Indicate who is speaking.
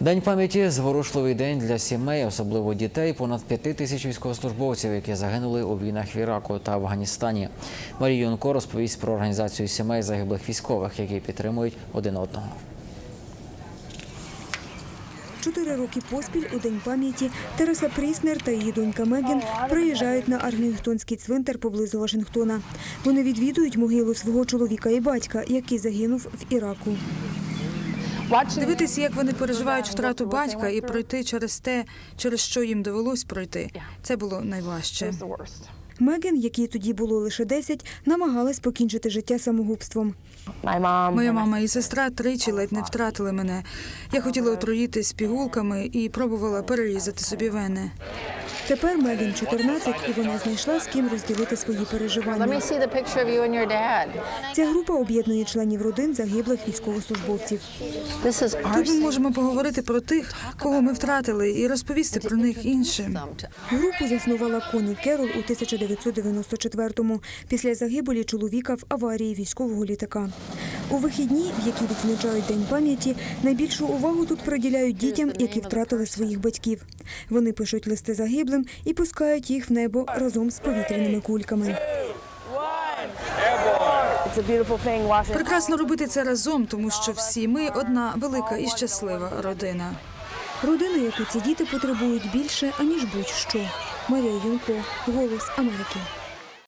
Speaker 1: День пам'яті – зворушливий день для сімей, особливо дітей. Понад 5 тисяч військовослужбовців, які загинули у війнах в Іраку та Афганістані. Марія Юнко розповість про організацію сімей загиблих військових, які підтримують один одного.
Speaker 2: 4 роки поспіль у День пам'яті Тереса Пріснер та її донька Мегген приїжджають на Арлінгтонський цвинтар поблизу Вашингтона. Вони відвідують могилу свого чоловіка і батька, який загинув в Іраку.
Speaker 3: Дивитися, як вони переживають втрату батька і пройти через те, через що їм довелось пройти, це було найважче.
Speaker 2: Мегген, якій тоді було лише 10, намагалась покінчити життя самогубством.
Speaker 3: Моя мама і сестра тричі ледь не втратили мене. Я хотіла отруїтись пігулками і пробувала перерізати собі вени.
Speaker 2: Тепер Мегген 14, і вона знайшла, з ким розділити свої переживання. Ця група об'єднує членів родин загиблих військовослужбовців.
Speaker 3: Тут ми можемо поговорити про тих, кого ми втратили, і розповісти про них іншим.
Speaker 2: Групу заснувала Коні Керол у 1994-му, після загибелі чоловіка в аварії військового літака. У вихідні, в які відзначають День пам'яті, найбільшу увагу тут приділяють дітям, які втратили своїх батьків. Вони пишуть листи загиблим і пускають їх в небо разом з повітряними кульками.
Speaker 3: Прекрасно робити це разом, тому що всі ми – одна велика і щаслива родина.
Speaker 2: Родина, яку ці діти потребують більше, аніж будь-що. Марія Юнко, «Голос Америки».